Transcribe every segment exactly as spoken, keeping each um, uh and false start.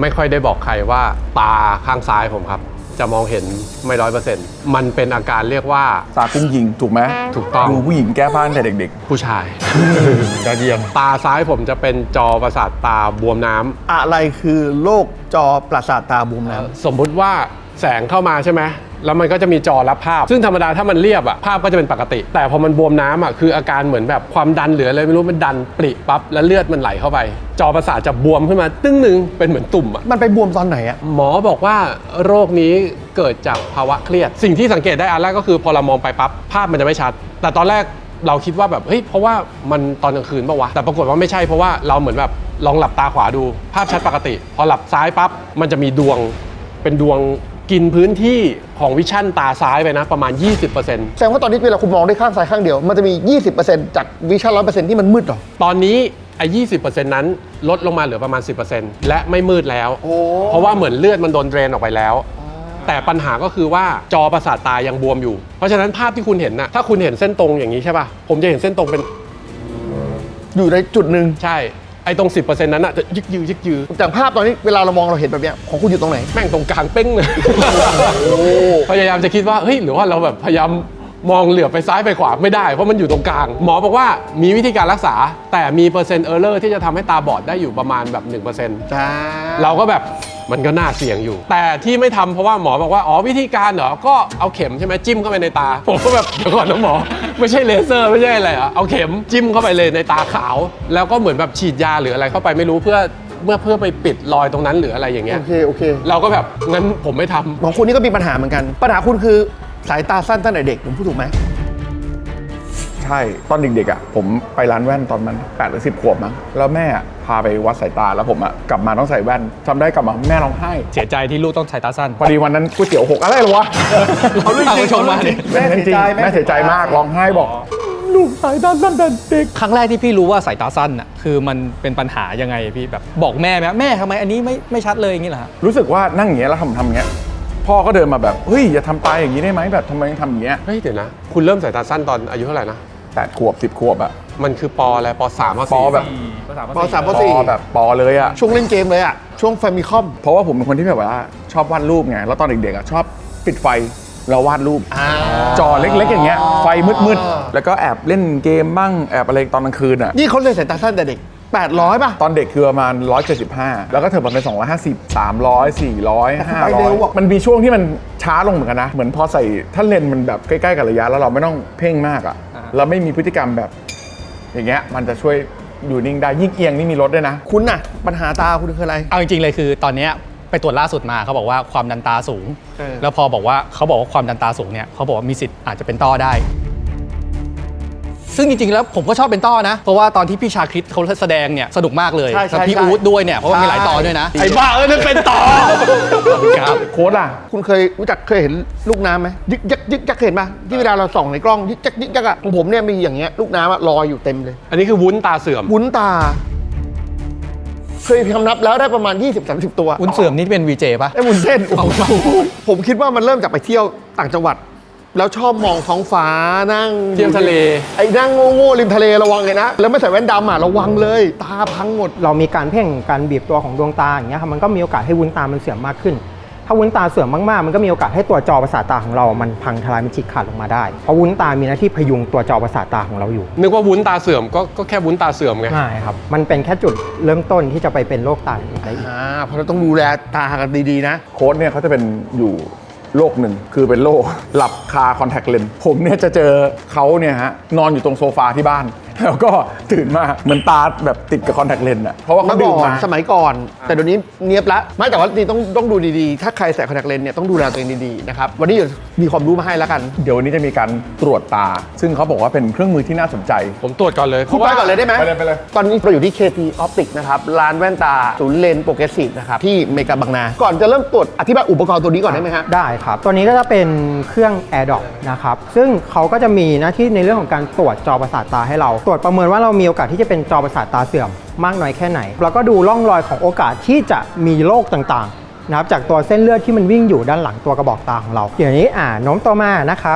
ไม่ค่อยได้บอกใครว่าตาข้างซ้ายผมครับจะมองเห็นไม่ร้อยเปอร์เซ็นต์มันเป็นอาการเรียกว่าตากุ้งยิงถูกไหมถูกต้องดูผู้หญิงแก้ผ้าแต่เด็กๆผู้ชายยอดเยี่ยมตาซ้ายผมจะเป็นจอประสาทตาบวมน้ำอะไรคือโรคจอประสาทตาบวมน้ำสมมุติว่าแสงเข้ามาใช่ไหมแล้วมันก็จะมีจอรับภาพซึ่งธรรมดาถ้ามันเรียบอะภาพก็จะเป็นปกติแต่พอมันบวมน้ำอะคืออาการเหมือนแบบความดันหรืออะไรไม่รู้มันดันปริปั๊บแล้วเลือดมันไหลเข้าไปจอประสาทจะบวมขึ้นมาตึ้งหนึ่งเป็นเหมือนตุ่มอะมันไปบวมตอนไหนอะหมอบอกว่าโรคนี้เกิดจากภาวะเครียดสิ่งที่สังเกตได้อันแรกก็คือพอเรามองไปปั๊บภาพมันจะไม่ชัดแต่ตอนแรกเราคิดว่าแบบเฮ้ยเพราะว่ามันตอนกลางคืนป่าววะแต่ปรากฏว่าไม่ใช่เพราะว่าเราเหมือนแบบลองหลับตาขวาดูภาพชัดปกติพอหลับซ้ายปั๊บมันจะมีดวงเป็นดวงกินพื้นที่ของวิชั่นตาซ้ายไปนะประมาณ ยี่สิบเปอร์เซ็นต์แสดงว่าตอนนี้เวลาคุณมองได้ข้างซ้ายข้างเดียวมันจะมี ยี่สิบเปอร์เซ็นต์ จากวิชั่น ร้อยเปอร์เซ็นต์ ที่มันมืดหรอตอนนี้ไอ้ ยี่สิบเปอร์เซ็นต์ นั้นลดลงมาเหลือประมาณ สิบเปอร์เซ็นต์ และไม่มืดแล้วเพราะว่าเหมือนเลือดมันโดนเดรนออกไปแล้วแต่ปัญหาก็คือว่าจอประสาทตายังบวมอยู่เพราะฉะนั้นภาพที่คุณเห็นนะถ้าคุณเห็นเส้นตรงอย่างนี้ใช่ป่ะผมจะเห็นเส้นตรงเป็นอยู่ในจุดหนึ่งใช่ไอ้ตรง สิบเปอร์เซ็นต์ นั้นอะจะยึกยือยึกยือจากภาพตอนนี้เวลาเรามองเราเห็นแบบเนี้ยของคุณอยู่ตรงไหนแม่งตรงกลางเป้งเลยพยายามจะคิดว่าเฮ้ยหรือว่าเราแบบพยายามมองเหลือบไปซ้ายไปขวาไม่ได้เพราะมันอยู่ตรงกลางหมอบอกว่ามีวิธีการรักษาแต่มีเปอร์เซ็นต์เออร์เลอร์ที่จะทำให้ตาบอดได้อยู่ประมาณแบบ หนึ่งเปอร์เซ็นต์จ้าเราก็แบบมันก็น่าเสี่ยงอยู่แต่ที่ไม่ทำเพราะว่าหมอบอกว่าอ๋อวิธีการเหรอก็เอาเข็มใช่ไหมจิ้มเข้าไปในตาผมก็แบบเดี๋ยวก่อนนะหมอไม่ใช่เลเซอร์ไม่ใช่อะไรอ่ะเอาเข็มจิ้มเข้าไปเลยในตาขาวแล้วก็เหมือนแบบฉีดยาหรืออะไรเข้าไปไม่รู้เพื่อเมื่อเพื่อไปปิดรอยตรงนั้นหรืออะไรอย่างเงี้ยโอเคโอเคเราก็แบบงั้นผมไม่ทำของคุณนี่ก็มีปัญหาเหมือนกันปัญหาคุณคือสายตาสั้นตั้งแต่เด็กผมพูดถูกไหมใช่ตอนเด็กๆอ่ะผมไปร้านแว่นตอนมันแปดหรือสิบขวบมั้งแล้วแม่พาไปวัดสายตาแล้วผมอ่ะกลับมาต้องใส่แว่นจำได้กลับมาแม่ร้องไห้เสียใจที่ลูกต้องใส่ตาสั้นพอดีวันนั้นก๋วยเตี๋ยวหกอะไรหรอวะเขาเรื่องจริงชมมาเนี่ยแม่เสียใจแม่เสียใจมากร้องไห้บอกลูกสายตาสั้นแต่เด็กครั้งแรกที่พี่รู้ว่าสายตาสั้นอ่ะคือมันเป็นปัญหายังไงพี่แบบบอกแม่ไหมแม่ทำไมอันนี้ไม่ไม่ชัดเลยอย่างนี้เหรอรู้สึกว่านั่งอย่างเงี้ยแล้วทำทำอย่างเงี้ยพ่อก็เดินมาแบบเฮ้ยอย่าทำตายอย่างนี้ได้ไหมแบบทำไมทำอย่างเงี้ยเฮ้ยเดี๋ยวนะคุณเริ่มสายตาสั้นตอนอายุเท่าไหร่นะแปดขวบสิบขวบอะมันคือปออะไรปสามปสี่ปแบบปสามปสี่แบบปเลยอะช่วงเล่นเกมเลยอะช่วงแฟมิคอมเพราะว่าผมเป็นคนที่แบบว่าชอบวาดรูปไงแล้วตอนเด็กๆอะชอบปิดไฟแล้ววาดรูปจอเล็กๆอย่างเงี้ยไฟมืดๆแล้วก็แอบเล่นเกมบ้างแอบอะไรตอนกลางคืนอะนี่เขาเลยสายตาสั้นแต่เด็กแปดร้อยป่ะตอนเด็กคือประมาณหนึ่งร้อยเจ็ดสิบห้าแล้วก็เถิดมาเป็นสองร้อยห้าสิบ สามร้อย สี่ร้อย ห้าร้อยมันมีช่วงที่มันช้าลงเหมือนกันนะเหมือนพอใส่ถ้าเลนมันแบบใกล้ๆกับระยะแล้วเราไม่ต้องเพ่งมากอ่ะเราไม่มีพฤติกรรมแบบอย่างเงี้ยมันจะช่วยอยู่นิ่งได้ยิ่งเอียงนี่มีลดด้วยนะคุณน่ะปัญหาตาคุณคืออะไรเอาจริงๆเลยคือตอนนี้ไปตรวจล่าสุดมาเขาบอกว่าความดันตาสูงแล้วพอบอกว่าเขาบอกว่าความดันตาสูงเนี่ยเขาบอกว่ามีสิทธิ์อาจจะเป็นต้อได้ซึ่งจริงๆแล้วผมก็ชอบเป็นต้อนะเพราะว่าตอนที่พี่ชาคริตเขาแสดงเนี่ยสนุกมากเลยกับพี่อู๊ดด้วยเนี่ยเพราะว่ามีหลายตอนด้วยนะไอ้บ้าเอ้ยนั่นเป็นต่อครับโค้ดอ่ะคุณเคยรู้จักเคยเห็นลูกน้ำไหมยึกยักยึกยักเห็นป่ะที่เวลาเราส่องในกล้องยึกยักยึกยักอ่ะของผมเนี่ยมีอย่างเงี้ยลูกน้ำลอยอยู่เต็มเลยอันนี้คือวุ้นตาเสื่อมวุ้นตาเคยคำนับแล้วได้ประมาณ ยี่สิบถึงสามสิบ ตัววุ้นเสื่อมนี่เป็น วี เจ ป่ะไอ้วุ้นเส้นผมคิดว่ามันเริ่มจากไปเที่ยวต่างจังหวัดแล้วชอบมองท้องฟ้านั่งเที่ยวทะเลไอ้นั่งโง่ๆริมทะเลระวังเลยนะแล้วไม่ใส่แว่นดำอ่ะระวังเลยตาพังหมดเรามีการเพ่งการบีบตัวของดวงตาอย่างเงี้ยครับมันก็มีโอกาสให้วุ้นตามันเสื่อมมากขึ้นถ้าวุ้นตาเสื่อมมากๆมันก็มีโอกาสให้ตัวจอประสาทตาของเรามันพังทลายมันฉีกขาดลงมาได้เพราะวุ้นตามีหน้าที่พยุงตัวจอประสาทตาของเราอยู่นึกว่าวุ้นตาเสื่อมก็ก็แค่วุ้นตาเสื่อมไงใช่ครับมันเป็นแค่จุดเริ่มต้นที่จะไปเป็นโรคตาอีกได้อีกอ่าเพราะเราต้องดูแลตากันดีๆนะโค้ดเนี่ยเขาจะเป็นอยู่โรคหนึ่งคือเป็นโรคหลับคาคอนแทคเลนส์ผมเนี่ยจะเจอเขาเนี่ยฮะนอนอยู่ตรงโซฟาที่บ้านแล้วก็ตื่นมาเหมือนตาแบบติดกับคอนแทคเลนส์อ่ะเพราะว่าเขาดื่มมาสมัยก่อนแต่เดี๋ยวนี้เนียบละไม่แต่ว่านี่ต้องต้องดูดีๆถ้าใครใส่คอนแทคเลนส์เนี่ยต้องดูแลตัวเองดีๆนะครับวันนี้เดี๋ยวมีความรู้มาให้แล้วกันเดี๋ยววันนี้จะมีการตรวจตาซึ่งเขาบอกว่าเป็นเครื่องมือที่น่าสนใจผมตรวจก่อนเลยคุณไปก่อนเลยได้ไหมไปเลยไปเลยตอนนี้เราอยู่ที่ เค ที Optics นะครับร้านแว่นตาศูนย์เลนส์โปรเกรสซีฟนะครับที่เมกาบางนาก่อนจะเริ่มตรวจอธิบายอุปกรณ์ตัวนี้ก่อนได้ไหมครับได้ครับตัวนี้ก็จะเป็นเครื่อง AirDrop นะครับซึ่งเขาก็จะมีหน้าที่ในเรื่องของการตรวจจอประสาทตาให้เราตรวจประเมินว่าเรามีโอกาสที่จะเป็นจอประสาทตาเสื่อมมากน้อยแค่ไหนแล้วก็ดูร่องรอยของโอกาสที่จะมีโรคต่างๆนะครับจากตัวเส้นเลือดที่มันวิ่งอยู่ด้านหลังตัวกระบอกตาของเราอย่างนี้อ่าโน้มตัวมานะครับ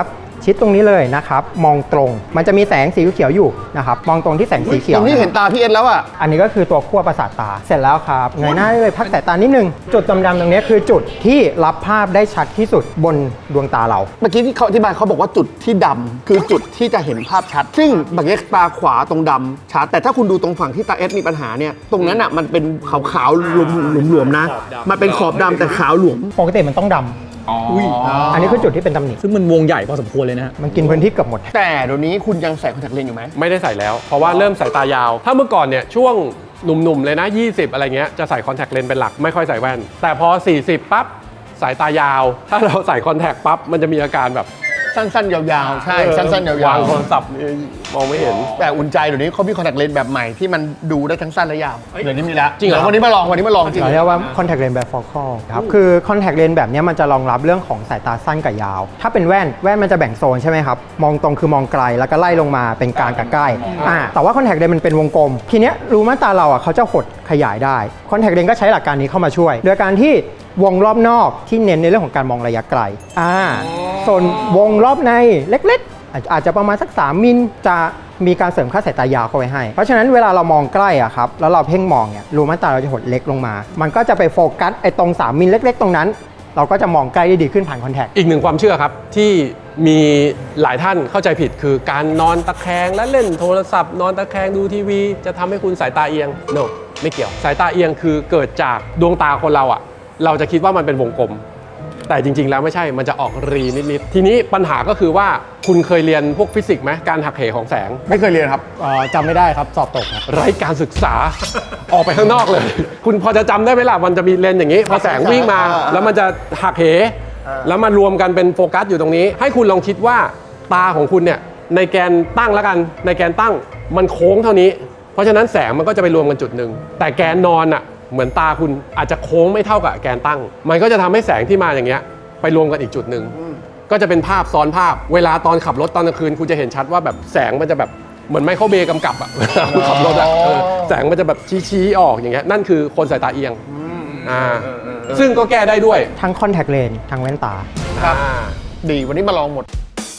ชิดตรงนี้เลยนะครับมองตรงมันจะมีแสงสีเขียวอยู่นะครับมองตรงที่แสงสีเขียวตรงนี้เห็นตาพี่เอ็นแล้วอ่ะอันนี้ก็คือตัวขั้วประสาทตาเสร็จแล้วครับเงยหน้าได้เลยพักสายตานิดนึงจุดดำๆตรงนี้คือจุดที่รับภาพได้ชัดที่สุดบนดวงตาเราเมื่อกี้ที่เขาอธิบายเขาบอกว่าจุดที่ดำคือจุดที่จะเห็นภาพชัด ซึ่งบางทีตาขวาตรงดำชัดแต่ถ้าคุณดูตรงฝั่งที่ตาเอสมีปัญหาเนี่ยตรงนั้นอ่ะมันเป็นขาวๆหลวมๆนะมันเป็นขอบดำแต่ขาวหลวมปกติมันต้องดำอ๋ออันนี้คือจุดที่เป็นตำหนิซึ่งมันวงใหญ่พอสมควรเลยนะฮะมันกินพื้นที่เกือบหมดแต่เดี๋ยวนี้คุณยังใส่คอนแทคเลนส์อยู่ไหมไม่ได้ใส่แล้ว เพราะว่าเริ่มสายตายาว ถ้าเมื่อก่อนเนี่ยช่วงหนุ่มๆเลยนะ ยี่สิบ อะไรเงี้ยจะใส่คอนแทคเลนส์เป็นหลักไม่ค่อยใส่แว่น แต่พอ สี่สิบ ปั๊บสายตายาว ถ้าเราใส่คอนแทคปั๊บมันจะมีอาการแบบสั้นๆ ยาวๆ ใช่ สั้นๆ ยาววางโทรศัพท์นี่มองไม่เห็นๆ แต่อุ่นใจเดี๋ยวนี้เขามีคอนแทคเลนส์แบบใหม่ที่มันดูได้ทั้งสั้นและยาวเดี๋ยวนี้มีแล้วจริงเหรอดี๋ยววันนี้มาลองวันนี้มาลองจริงเราเรียกว่า contact lens bifocal ครับ คือ contact lens แบบนี้มันจะรองรับเรื่องของสายตาสั้นกับยาว ถ้าเป็นแว่น แว่นมันจะแบ่งโซนใช่ไหมครับ มองตรงคือมองไกล แล้วก็ไล่ลงมาเป็นกลางกับใกล้ อ่า แต่ว่า contact lens มันเป็นวงกลม ทีเนี้ยรูม่านตาเราอ่ะเขาจะหดขยายได้ contact lens ก็ใช้หลักการนี้เข้ามาช่วย โดยการที่วงรอบนอกที่เน้นในเรื่องของการมองระยะไกล อ่า ส่วนวงรอบในเล็กๆ อาจอาจจะประมาณสักสามมิลจะมีการเสริมค่าสายตายาวเข้าไว้ให้ เพราะฉะนั้นเวลาเรามองใกล้อะครับ แล้วเราเพ่งมองเนี่ยรูม่านตาเราจะหดเล็กลงมา มันก็จะไปโฟกัสไอ้ตรงสามมิลเล็กๆ ตรงนั้น เราก็จะมองใกล้ได้ดีขึ้นผ่านคอนแทคอีกหนึ่งความเชื่อครับที่มีหลายท่านเข้าใจผิดคือการนอนตะแคงและเล่นโทรศัพท์ นอนตะแคงดูทีวี จะทำให้คุณสายตาเอียง no ไม่เกี่ยวสายตาเอียงคือเกิดจากดวงตาคนเราอะเราจะคิดว่ามันเป็นวงกลม แต่จริงๆแล้วไม่ใช่มันจะออกรีนิดๆทีนี้ปัญหาก็คือว่าคุณเคยเรียนพวกฟิสิกส์ไหมการหักเหของแสงไม่เคยเรียนครับเอ่อจำไม่ได้ครับสอบตกครับไร้การศึกษา ออกไปข้างนอกเลย คุณพอจะจำได้ไหมล่ะมันจะมีเลนส์อย่างนี้ พอแสงวิ่งมา แล้วมันจะหักเห แล้วมารวมกันเป็นโฟกัสอยู่ตรงนี้ ให้คุณลองคิดว่าตาของคุณเนี่ยในแกนตั้งแล้วกันในแกนตั้งมันโค้งเท่านี้ เพราะฉะนั้นแสงมันก็จะไปรวมกันจุดหนึ่งแต่แกนนอนอ่ะเหมือนตาคุณอาจจะโค้งไม่เท่ากับแกนตั้ง มันก็จะทำให้แสงที่มาอย่างเงี้ยไปรวมกันอีกจุดหนึ่งก็จะเป็นภาพซ้อนภาพ เวลาตอนขับรถตอนกลางคืนคุณจะเห็นชัดว่าแบบแสงมันจะแบบเหมือนไมเคิลเบย์กำกับอะ คุณขับรถอะเออแสงมันจะแบบชี้ๆออกอย่างเงี้ยนั่นคือคนสายตาเอียงอ่าซึ่งก็แก้ได้ด้วยทั้งคอนแทคเลนส์ทั้งแว่นตาครับอ่าดีวันนี้มาลองหมด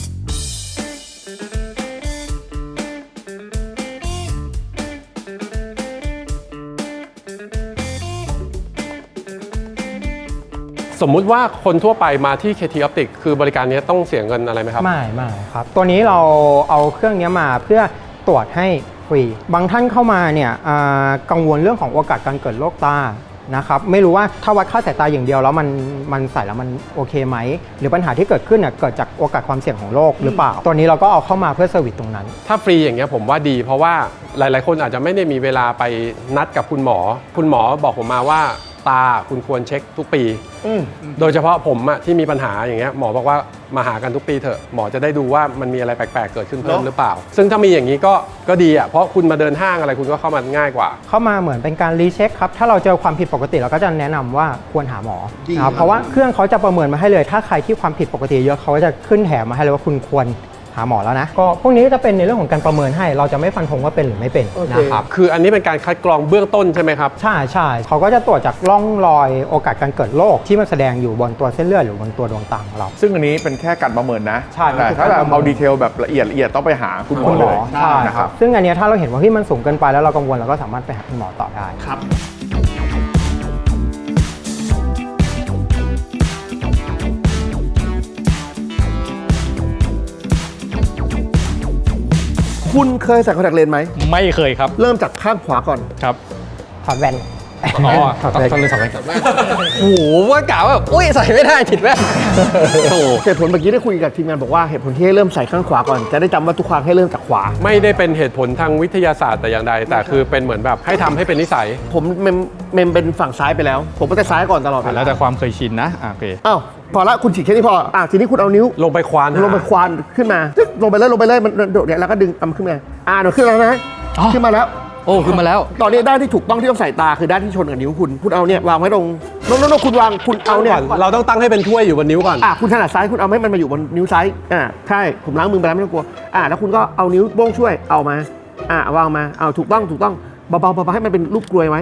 สมมุติว่าคนทั่วไปมาที่ เค ที Optic คือบริการนี้ต้องเสียเงินอะไรไหมครับไม่ไม่ครับ ตัวนี้เราเอาเครื่องนี้มาเพื่อตรวจให้ฟรี บางท่านเข้ามาเนี่ยอ่ากังวลเรื่องของโอกาสการเกิดโรคตานะครับ ไม่รู้ว่าถ้าวัดค่าสายตาอย่างเดียวแล้วมันมันใส่แล้วมันโอเคไหม หรือปัญหาที่เกิดขึ้นเนี่ยเกิดจากโอกาสความเสี่ยงของโรคหรือเปล่า ตัวนี้เราก็เอาเข้ามาเพื่อเซอร์วิสตรงนั้นถ้าฟรีอย่างเงี้ยผมว่าดี เพราะว่าหลาย ๆ คนอาจจะไม่ได้มีเวลาไปนัดกับคุณหมอ คุณหมอบอกผมมาว่าตาคุณควรเช็คทุกปี โดยเฉพาะผมอะที่มีปัญหาอย่างเงี้ยหมอบอกว่ามาหากันทุกปีเถอะหมอจะได้ดูว่ามันมีอะไรแปลก ๆ เกิดขึ้นเพิ่มหรือเปล่า ซึ่งถ้ามีอย่างนี้ก็ก็ดีอะเพราะคุณมาเดินห้างอะไรคุณก็เข้ามาง่ายกว่าเข้ามาเหมือนเป็นการรีเช็คครับ ถ้าเราเจอความผิดปกติเราก็จะแนะนำว่าควรหาหมอดีนะครับเพราะว่าเครื่องเขาจะประเมินมาให้เลย ถ้าใครที่ความผิดปกติเยอะเขาก็จะขึ้นแถมมาให้เลยว่าคุณควรหาหมอแล้วนะ ก็พวกนี้ก็จะเป็นในเรื่องของการประเมินให้ เราจะไม่ฟันธงว่าเป็นหรือไม่เป็นนะครับคืออันนี้เป็นการคัดกรองเบื้องต้นใช่ไหมครับใช่ใช่เขาก็จะตรวจจากร่องรอยโอกาสการเกิดโรคที่มันแสดงอยู่บนตัวเส้นเลือดหรือบนตัวดวงตาของเราซึ่งอันนี้เป็นแค่การประเมินนะใช่มันแต่คือถ้าแบบการประเมินเอาดีเทลแบบละเอียดละเอียดต้องไปหาคุณหมอคุณหเลมอย ใช่นะคครัรับบ ซึ่งอันเนี้ยถ้าเราเห็นว่าที่มันสูงเกินไปแล้วเรากังวลเราก็สามารถไปหาคุณหมอต่อได้ครับ คุณเคยใส่คอนแทคเลนส์ไหมไม่เคยครับเริ่มจากข้างขวาก่อนครับถอดแว่นอ๋อถอดต้องแว่นต้องเลยสองแว่นโอ้โหว่ากล่าวว่าอุ้ยใส่ไม่ได้ติดแว่นโอ้โหเหตุผลเมื่อกี้ได้คุยกับทีมงานบอกว่าเหตุผลที่ให้เริ่มใส่ข้างขวาก่อน จะได้จำว่าทุกครั้งให้เริ่มจากขวาไม่ได้เป็นเหตุผลทางวิทยาศาสตร์แต่อย่างใด แต่คือเป็นเหมือนแบบให้ทำให้เป็นนิสัยผมเมมเมมเป็นฝั่งซ้ายไปแล้ว ผมก็จะซ้ายก่อนตลอดเวแล้วลาแต่ความเคยชินนะอ่ะโอเคอ้าวพอละคุณฉีกแค่นี้พออ่ะทีนี้คุณเอานิ้วลงไปควานหาลงไปควานขึ้นมาตึ๊กลงไปเลยลงไปเลยมันโดดเนี่ยแล้วก็ดึงเอามันขึ้นมาอ่าเดี๋ยวขึ้นแล้วนะอ๋อขึ้นมาแล้วโอ้ขึ้นมาแล้วตอนนี้ด้านที่ถูกต้องที่ต้องใส่ตาคือด้านที่ชนกับนิ้วคุณ คุณเอาเนี่ยวางไว้ตรงโน้นโน้นคุณวางคุณเอาเนี่ยก่อนเราต้องตั้งให้เป็นถ้วยอยู่บนนิ้วก่อนอ่ะคุณถนัดซ้ายคุณเอาให้มันมาอยู่บนนิ้วซ้ายอ่าใช่ผมล้างมือไปแล้วไม่ต้องกลัวอ่าแล้วคุณก็เอานิ้วโป้งช่วยเอามาอ่าวางมาเอาถูกต้องถูกต้องเบาๆเบาๆให้มันเป็นรูปกลวยไว้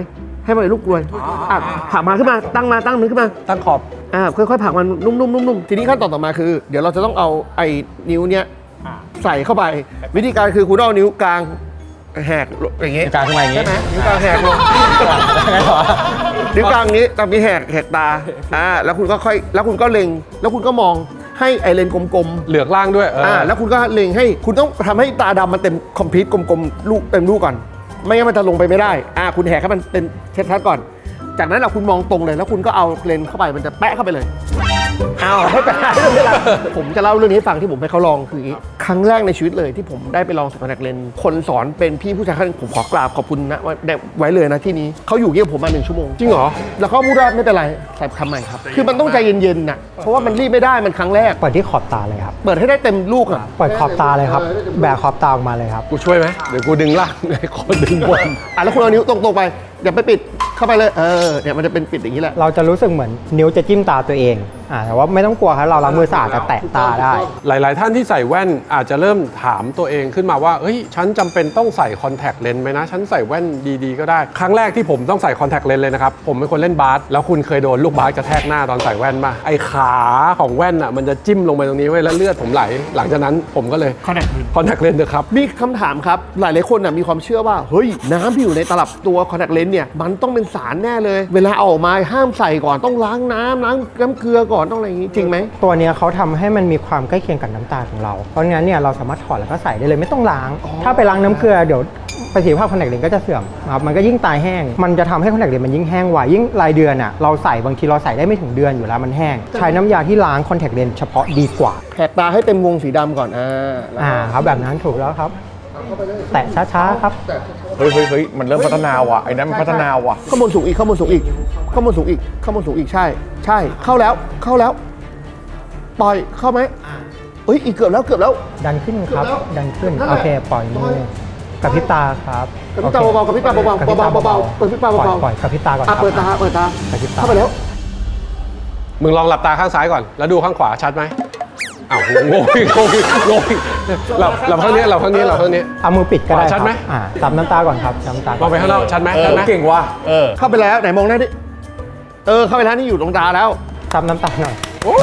ให้มันเลยลูกกลวยอ่ะผลักมาขึ้นมาตั้งมาตั้งมือขึ้นมาตั้งขอบอ่าค่อยๆผลักมันนุ่มๆนุ่มๆทีนี้ขั้นตอนต่อมาคือ เดี๋ยวเราจะต้องเอาไอ้นิ้วเนี้ยใส่เข้าไป วิธีการคือคุณเอานิ้วกลางแหกอย่างเงี้ยกลางขึ้นมาอย่างงี้ใช่ไหมนิ้วกลางแหกลงนิ้วกลางนี้ตามนี้แหกแหกตาอ่าแล้วคุณก็ค่อยแล้วคุณก็เล็งแล้วคุณก็มองให้ไอเลนกลมๆเหลือกล่างด้วยเอออ่าแล้วคุณก็เล็งให้คุณต้องทำให้ตาดำมันเต็มคอมพลีทกลมๆลูกเต็มลูกก่อน ไม่งั้นมันจะลงไปไม่ได้อ่าคุณแหกให้มันเป็นชัดๆก่อน จากนั้นเราคุณมองตรงเลยแล้วคุณก็เอาเลนส์เข้าไปมันจะแปะเข้าไปเลยเอาให้แปะไม่เป็นไรผมจะเล่าเรื่องนี้ให้ฟังที่ผมให้เขาลองคืออย่างนี้ครั้งแรกในชีวิตเลยที่ผมได้ไปลองใส่คอนแทคเลนส์คนสอนเป็นพี่ผู้ชายท่านผมขอกราบขอบคุณนะว่าได้ไว้เลยนะที่นี้เขาอยู่เกี่ยวกับผมมาหนึ่งชั่วโมงจริงเหรอแล้วเขาพูดว่าไม่เป็นไรใส่คำใหม่ครับคือมันต้องใจเย็นๆน่ะเพราะว่ามันรีบไม่ได้มันครั้งแรกเปิดที่ขอบตาเลยครับเปิดให้ได้เต็มลูกอ่ะเปิดขอบตาเลยครับ แบกขอบตาออกมาเลยครับกูช่วยไหมเดี๋ยวกูดึงล่างให้คนดึงบนอ่ะแล้วคุณเอานิ้วตรงๆไปอย่าไปปิดเข้าไปเลยเออเนี่ยมันจะเป็นปิดอย่างนี้แหละเราจะรู้สึกเหมือนนิ้วจะจิ้มตาตัวเองอ่าแต่ว่าไม่ต้องกลัวครับเราล้างมือสะอาดแต่แตะตาได้หลาย ๆ ท่านที่ใส่แว่นอาจจะเริ่มถามตัวเองขึ้นมาว่าเฮ้ยฉันจำเป็นต้องใส่คอนแทคเลนส์ไหมนะ ฉันใส่แว่นดี ๆ ก็ได้ ครั้งแรกที่ผมต้องใส่คอนแทคเลนส์เลยนะครับ ผมเป็นคนเล่นบาสแล้วคุณเคยโดนลูกบาสกระแทกหน้าตอนใส่แว่นมาไอ้ขาของแว่นอ่ะมันจะจิ้มลงไปตรงนี้ไว้แล้วเลือดผมไหล หลังจากนั้นผมก็เลย Contact lens คอนแทคเลนส์นะครับมีคำถามครับ หลายหลายๆคนน่ะมีความเชื่อว่าเฮ้ยน้ำที่อยู่ในตลับตัวคอนแทคเลนส์เนี่ยมันต้องเป็นสารแน่เลย เวลาเอาออกมาห้ามใส่ก่อนต้องล้างน้ำล้างน้ำเกลือก่อนต้องอะไรอย่างงี้จริงไหมตัวเนี้ยเขาทำให้มันมีความใกล้เคียงกับน้ำตาของเรา เพราะงั้นเนี่ยเราสามารถถอดแล้วก็ใส่ได้เลยไม่ต้องล้าง ถ้าไปล้างน้ำเกลือเดี๋ยวประสิทธิภาพคอนแทคเลนส์ก็จะเสื่อมครับมันก็ยิ่งตายแห้ง มันจะทำให้คอนแทคเลนส์มันยิ่งแห้งไวยิ่งรายเดือนอ่ะเราใส่บางทีเราใส่ได้ไม่ถึงเดือนอยู่แล้วมันแห้ง ใช้น้ำยาที่ล้างคอนแทคเลนส์เฉพาะดีกว่าแหกตาให้เต็มวงสีดำก่อนอ่าแล้วอ่าครับแบบนั้นถูกแล้วครับ แตะช้าๆครับเฮ้ยเฮ้ยเฮ้ยมันเริ่มพัฒนาว่ะไอ้นั้นมันพัฒนาว่ะข้างบนสูงอีกข้างบนสูงอีกข้างบนสูงอีกข้างบนสูงอีกใช่ ใช่เข้าแล้วเข้าแล้ว ปล่อยเข้าไหมเอ้ยอีกเกือบแล้วเกือบแล้วดันขึ้นครับเกือบแล้วดันขึ้นนั่นแหละโอเค ปล่อยมือกับพริบตาครับกระพริบตาโอคเบาๆกระพริบตาเบาๆกระพริบตเบาๆเปิดพริบตาปล่อยเบาๆปล่อยกับพริบตาก่อนคอ่ะรับเปิดตาเปิดตากระพริบตาเข้าไปแล้วมึงลองหลับตาข้างซ้ายก่อน แล้วดูข้างขวาชัดไหมอ้าวงงอีกงงอีกงงอีกหลับหลับข้างนี้หลับข้างนี้หลับข้างนี้เอามือปิดก็ได้ขวาชัดไหมครับอ่าจับน้ำตาก่อนครับจับน้ำตาก่มองไปข้างนอกชัดไหมเอชัอดไหมเก่งว่ะเออเข้าไปแล้วไหนมองหน้าดิเออเข้าไปแล้วนี่อยู่ตรงตาแล้วจับน้ำตาหน่อย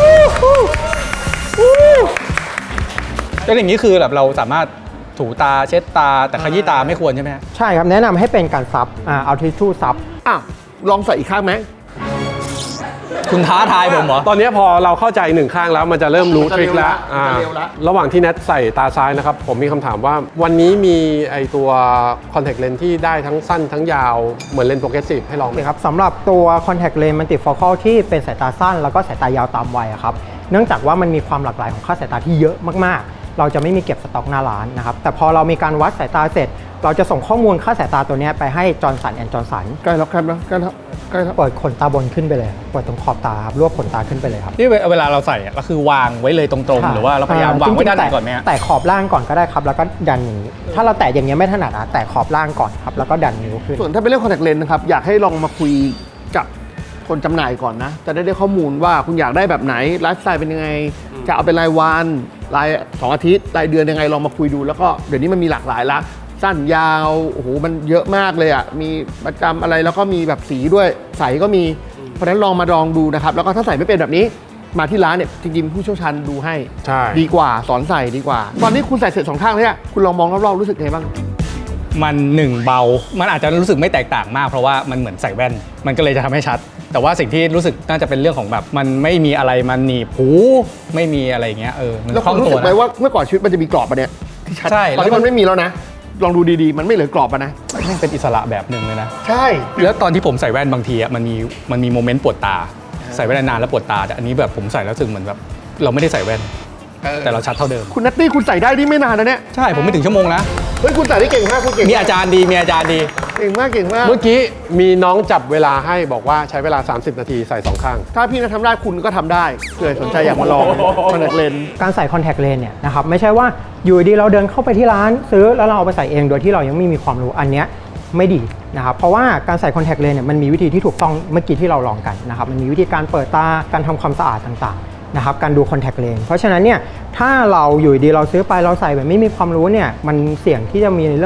แล้วอย่างนี้คือแบบเราสามารถถูตาเช็ดตาแต่ขยี้ตาไม่ควรใช่ไหมฮะใช่ครับแนะนำให้เป็นการซับอ่าเอาทิชชู่ซับอ่ะลองใส่อีกข้างไหมคุณท้าทายผมเหรอตอนนี้พอเราเข้าใจหนึ่งข้างแล้วมันจะเริ่มรู้ทริคแล้วอ่าระหว่างที่แนทใส่ตาซ้ายนะครับ ผมมีคำถามว่าวันนี้มีไอตัวคอนแทคเลนส์ที่ได้ทั้งสั้นทั้งยาวเหมือนเลนส์โปรเกรสซีฟให้ลองไหมนะครับสำหรับตัว contact lens multifocal ที่เป็นสายตาสั้นแล้วก็สายตายาวตามวัยอะครับเนื่องจากว่ามันมีความหลากหลายของค่าสายตาที่เยอะมากๆ เราจะไม่มีเก็บสต็อกหน้าร้านนะครับแต่พอเรามีการวัดสายตาเสร็จ เราจะส่งข้อมูลค่าสายตาตัวเนี้ยไปให้จอร์นสันแอนด์จอร์นสันใกล้แล้วใกล้แล้วใกล้แล้วใกล้แล้วเปิดขนตาบนขึ้นไปเลยเปิดตรงขอบตาครับรวบขนตาขึ้นไปเลยครับที่เวลาเราใส่อะก็คือวางไว้เลยตรงๆ หรือว่าเราพยายามวางไว้ด้านไหนก่อนไหมฮะแตะขอบล่างก่อนก็ได้ครับแล้วก็ดันอย่างนี้ ถ้าเราแตะอย่างเงี้ยไม่ถนัดอะแตะขอบล่างก่อนครับแล้วก็ดันนิ้วขึ้นส่วนถ้าเป็นเรื่องคอนแทคเลนส์นะครับอยากให้ลองมาคุยกับคนจำหน่ายก่อนนะ จะได้ได้ข้อมูลว่าคุณอยากได้แบบไหนไลฟ์สไตล์เป็นยังไง จะเอาเป็นรายวันรายสองอาทิตย์รายเดือนยังไงลองมาคุยดูแล้วก็เดี๋ยวนี้มันมีหลากหลายละสั้นยาวโอ้โหมันเยอะมากเลยอ่ะมีประจำอะไรแล้วก็มีแบบสีด้วยใสก็มีเพราะฉะนั้นลองมาลองดูนะครับแล้วก็ถ้าใส่ไม่เป็นแบบนี้มาที่ร้านเนี่ยจริงๆผู้เชี่ยวชาญดูให้ใช่ดีกว่าสอนใส่ดีกว่า ตอนนี้คุณใส่เสร็จสองข้างแล้วเนี่ยคุณลองมองรอบๆรู้สึกไงบ้างมันหนึ่งเบา มันอาจจะรู้สึกไม่แตกต่างมากเพราะว่ามันเหมือนใส่แว่น มันก็เลยจะทำให้ชัด แต่ว่าสิ่งที่รู้สึกน่าจะเป็นเรื่องของแบบมันไม่มีอะไรมันหนีบหูไม่มีอะไรอย่างเงี้ยเออมันแล้วคล่คุองณรู้ตัสึวกไหมนะว่าเมื่อก่อนชีวิตมันจะมีกรอบปะเนี่ยที่ชัดใช่ตอนนี้แล้วก็มันไม่มีแล้วนะ ลองดูดีๆ มันไม่เหลือกรอบปะนะแม่งเป็นอิสระแบบหนึ่งเลยนะใช่แล้วตอนที่ผมใส่แว่นบางทีอ่ะมันมีมันมีโมเมนต์ปวดตา ใส่แว่นนานๆแล้วปวดตาแต่อันนี้แบบผมใส่แล้วรู้สึกเหมือนแบบเราไม่ได้ใส่แว่น แต่เราชัดเท่าเดิมคุณนัตตี้คุณใส่ได้นี่ไม่นานนะเนี่ยใช่ผมไม่ถึงชั่วโมงนะเฮ้ยคุณใส่ได้เก่งมากคุณเก่งมีอาจารย์ดีมีอาจารย์ดีเก่งมากเก่งมากเมื่อกี้มีน้องจับเวลาให้บอกว่าใช้เวลา สามสิบ นาทีใส่สองข้างถ้าพี่นัททำได้คุณก็ทำได้เผื่อสนใจอยากมาลองคอนแทคเลนส์การใส่คอนแทคเลนส์เนี่ยนะครับไม่ใช่ว่าอยู่ดีเราเดินเข้าไปที่ร้านซื้อแล้วเราเอาไปใส่เองโดยที่เรายังไม่มีความรู้อันเนี้ยไม่ดีนะครับเพราะว่าการใส่คอนแทคเลนส์เนี่ยมันมีวิธีที่ถูกต้องเมื่อกี้ที่เราลองกันนะครับมันมีวิธีการเปิดตาการทำความสะอาดต่างๆนะครับการดูคอนแทคเลนส์เพราะฉะนั้นเนี่ยถ้าเราอยู่ดีเราซื้อไปเราใส่แบบไม่มีความรู้เนี่ยมันเสี่ยงที่จะมีในเรื่องของ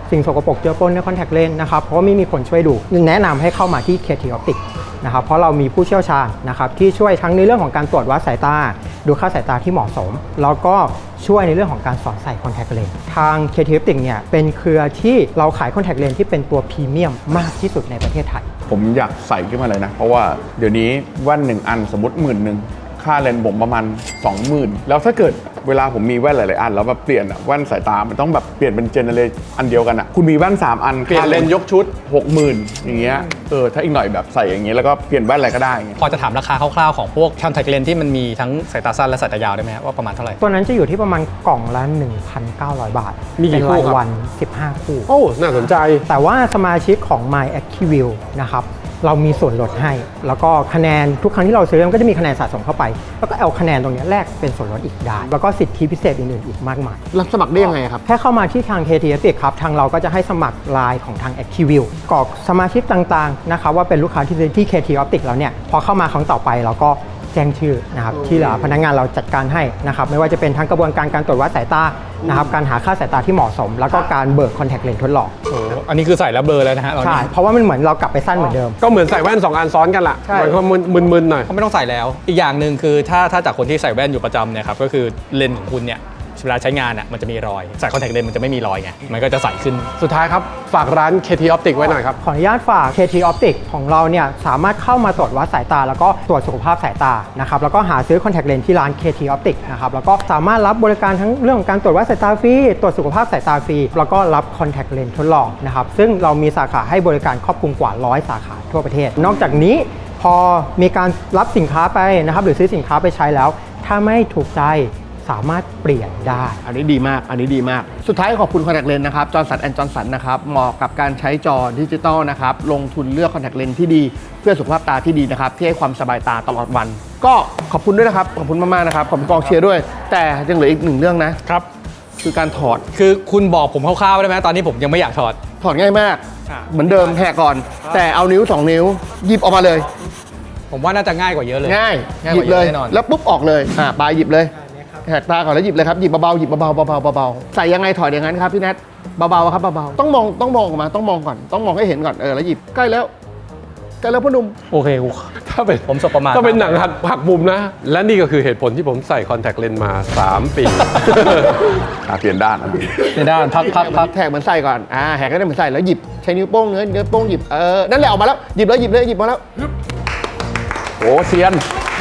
สิ่งสกปรกเจือปนในคอนแทคเลนส์นะครับเพราะว่าไม่มีผลช่วยดูแนะนำให้เข้ามาที่ เค ที Optics นะครับเพราะเรามีผู้เชี่ยวชาญนะครับที่ช่วยทั้งในเรื่องของการตรวจวัดสายตาดูค่าสายตาที่เหมาะสมแล้วก็ช่วยในเรื่องของการสอนใส่คอนแทคเลนส์ทาง เค ที Optics เนี่ยเป็นเครือที่เราขายคอนแทคเลนส์ที่เป็นตัวพรีเมียมมากที่สุดในประเทศไทยผมอยากใส่ขึ้นมาเลยนะ เพราะว่าเดี๋ยวนี้แว่นหนึ่งอันสมมติหมื่นหนึ่งค่าเลนส์ผมประมาณ สองหมื่น แล้วถ้าเกิดเวลาผมมีแว่นหลายๆอันแล้วแบบเปลี่ยนอะแว่นสายตามันต้องแบบเปลี่ยนเป็นเจเนเรชันอันเดียวกันอะคุณมีแว่นสามอันเปลี่ยนเลนส์ยกชุดหกหมื่นอย่างเงี้ยเออถ้าอีกหน่อยแบบใส่อย่างเงี้ยแล้วก็เปลี่ยนแว่นอะไรก็ได้อย่างเงี้ยพอจะถามราคาคร่าวๆของพวกคอนแทคเลนส์ที่มันมีทั้งสายตาสั้นและสายตายาวได้ไหมว่าประมาณเท่าไหร่ตัวนั้นจะอยู่ที่ประมาณกล่องละ หนึ่งพันเก้าร้อย บาทมีกี่คู่เป็นครัราบยวันสิบห้าคู่โอ้ น่าสนใจแต่ว่าสมาชิกของ My ActiveView นะครับเรามีส่วนลดให้ แล้วก็คะแนนทุกครั้งที่เราซื้อมันก็จะมีคะแนนสะสมเข้าไป แล้วก็เอาคะแนนตรงนี้แลกเป็นส่วนลดอีกได้ แล้วก็สิทธิพิเศษอื่นๆอีกมากมายรับสมัครได้ยังไงครับแค่เข้ามาที่ทาง เค ที Optics ครับทางเราก็จะให้สมัครไลน์ของทาง ActiveView กรอกสมาชิกต่างๆนะครับว่าเป็นลูกค้าที่ซื้อที่ เค ที Optics แล้วเนี่ยพอเข้ามาครั้งต่อไปเราก็แจ้งชื่อนะครับที่เหลือพนักงานเราจัดการให้นะครับไม่ว่าจะเป็นทั้งกระบวนการการตรวจวัดสายตานะครับการหาค่าสายตาที่เหมาะสม แล้วก็การเบิกคอนแทคเลนส์ทดลองโอ้อันนี้คือใส่แล้วเบลอแล้วนะฮะตอนใช่นี้เพราะว่ามันเหมือนเรากลับไปสั้นเหมือนเดิมก็เหมือนใส่แว่นสองอันซ้อนกันละใช่มันก็มึนๆหน่อยก็ไม่ต้องใส่แล้ว อีกอย่างหนึ่งคือถ้าถ้าจากคนที่ใส่แว่นอยู่ประจำเนี่ยครับก็คือเลนส์ของคุณเนี่ยเวลาใช้งานอ่ะมันจะมีรอยใส่คอนแทคเลนส์มันจะไม่มีรอยไงมันก็จะใสขึ้นสุดท้ายครับ ฝากร้าน เค ที Optics ไว้หน่อยครับขออนุญาตฝาก เค ที Optics ของเราเนี่ยสามารถเข้ามาตรวจวัดสายตา แล้วก็ตรวจสุขภาพสายตานะครับแล้วก็หาซื้อคอนแทคเลนส์ที่ร้าน เค ที Optics นะครับแล้วก็สามารถรับบริการทั้งเรื่องของการตรวจวัดสายตาฟรีตรวจสุขภาพสายตาฟรีแล้วก็รับคอนแทคเลนส์ทดลองนะครับซึ่งเรามีสาขาให้บริการครอบคลุมกว่าร้อยสาขาทั่วประเทศ นอกจากนี้พอมีการรับสินค้าไปนะครับหรือซื้อสินค้าไปใช้แล้ว ถ้าไม่ถูกใจสามารถเปลี่ยนได้อันนี้ดีมาก อันนี้ดีมาก สุดท้ายขอบคุณคอนแทคเลนส์นะครับจอร์นสันแอนด์จอร์นสันนะครับเหมาะกับการใช้จอดิจิตอลนะครับลงทุนเลือกคอนแทคเลนส์ที่ดีเพื่อสุขภาพตาที่ดีนะครับที่ให้ความสบายตาตลอดวัน ก็ขอบคุณด้วยนะครับขอบคุณมากๆนะครับขอบคุณกองเชียร์ด้วย แต่ยังเหลืออีกหนึ่งเรื่องนะครับ คือการถอดคือคุณบอกผมคร่าวๆได้ไหมตอนนี้ผมยังไม่อยากถอดถอดง่ายมากอ่ะเหมือนเดิมแหกก่อน แต่เอานิ้วสองนิ้วหยิบออกมาเลยผมว่าน่าจะง่ายกว่าเยอะเลยง่ายง่ายหกยิว่าบเลยเยอะแน่นอนแล้วปุ๊บออกเลยอ่าปลายหยิบเลยแหกตาก่อนแล้วหยิบเลยครับหยิบเบาๆหยิบเบาๆเบาๆเบาๆใส่ยังไงถอดอย่างนั้นครับพี่แนทเบาๆครับเบาๆต้องมองต้องมองออกมาต้องมองก่อนต้องมองให้เห็นก่อนเออแล้วหยิบใกล้แล้วใกล้แล้วพ่อหนุ่มโอเคกูถ้าเป็นผมสบประมาทถ้าเป็นหนังหักหักมุมนะ และนี่ก็คือเหตุผลที่ผมใส่คอนแทคเลนส์มา สาม ปีอ่ะเปลี่ยนด้านอันนี้ในด้านพักพักพักแทกเหมือนใส่ก่อนอ่าแหกก็ได้เหมือนใส่แล้วหยิบใช้นิ้วโป้งเนื้อนิ้วโป้งหยิบเออนั่นแหละออกมาแล้วหยิบเลยหยิบเลยหยิบมาแล้วโอ้เซียน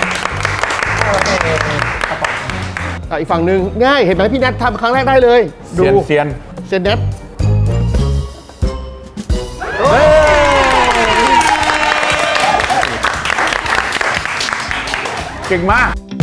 อ่ะอีกฝั่งหนึ่งง่ายเห็นไหมพี่แนททำครั้งแรกได้เลยดูเซียนเซียนเซนเนทเก่งมาก